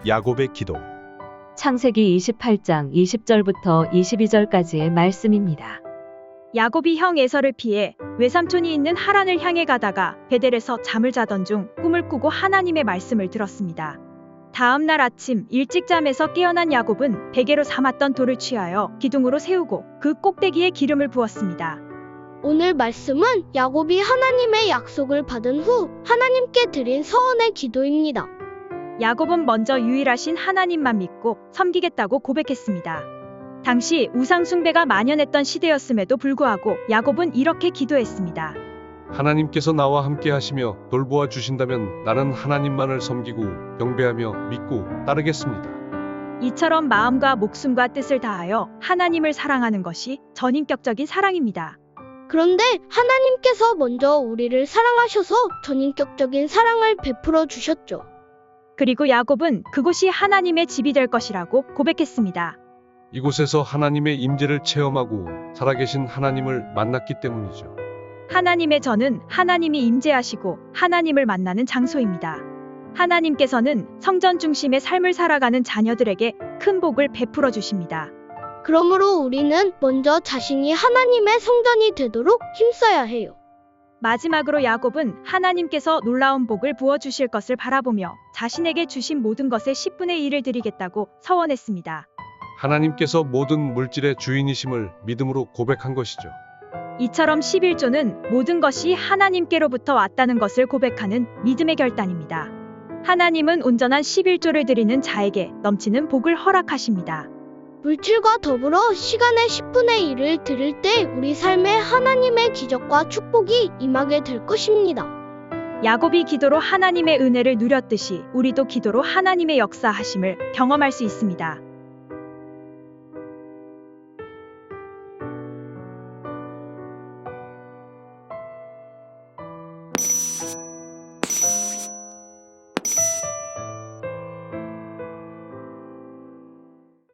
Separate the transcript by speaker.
Speaker 1: 야곱의 기도.
Speaker 2: 창세기 28장 20절부터 22절까지의 말씀입니다.
Speaker 3: 야곱이 형 에서를 피해 외삼촌이 있는 하란을 향해 가다가 베델에서 잠을 자던 중 꿈을 꾸고 하나님의 말씀을 들었습니다. 다음 날 아침 일찍 잠에서 깨어난 야곱은 베개로 삼았던 돌을 취하여 기둥으로 세우고 그 꼭대기에 기름을 부었습니다.
Speaker 4: 오늘 말씀은 야곱이 하나님의 약속을 받은 후 하나님께 드린 서원의 기도입니다.
Speaker 3: 야곱은 먼저 유일하신 하나님만 믿고 섬기겠다고 고백했습니다. 당시 우상 숭배가 만연했던 시대였음에도 불구하고 야곱은 이렇게 기도했습니다.
Speaker 5: 하나님께서 나와 함께 하시며 돌보아 주신다면 나는 하나님만을 섬기고 경배하며 믿고 따르겠습니다.
Speaker 3: 이처럼 마음과 목숨과 뜻을 다하여 하나님을 사랑하는 것이 전인격적인 사랑입니다.
Speaker 4: 그런데 하나님께서 먼저 우리를 사랑하셔서 전인격적인 사랑을 베풀어 주셨죠.
Speaker 3: 그리고 야곱은 그곳이 하나님의 집이 될 것이라고 고백했습니다.
Speaker 5: 이곳에서 하나님의 임재를 체험하고 살아계신 하나님을 만났기 때문이죠.
Speaker 3: 하나님의 전은 하나님이 임재하시고 하나님을 만나는 장소입니다. 하나님께서는 성전 중심의 삶을 살아가는 자녀들에게 큰 복을 베풀어 주십니다.
Speaker 4: 그러므로 우리는 먼저 자신이 하나님의 성전이 되도록 힘써야 해요.
Speaker 3: 마지막으로 야곱은 하나님께서 놀라운 복을 부어주실 것을 바라보며 자신에게 주신 모든 것의 10분의 1을 드리겠다고 서원했습니다.
Speaker 5: 하나님께서 모든 물질의 주인이심을 믿음으로 고백한 것이죠.
Speaker 3: 이처럼 11조는 모든 것이 하나님께로부터 왔다는 것을 고백하는 믿음의 결단입니다. 하나님은 온전한 11조를 드리는 자에게 넘치는 복을 허락하십니다.
Speaker 4: 물질과 더불어 시간의 10분의 1을 드릴 때 우리 삶에 하나님의 기적과 축복이 임하게 될 것입니다.
Speaker 3: 야곱이 기도로 하나님의 은혜를 누렸듯이 우리도 기도로 하나님의 역사하심을 경험할 수 있습니다.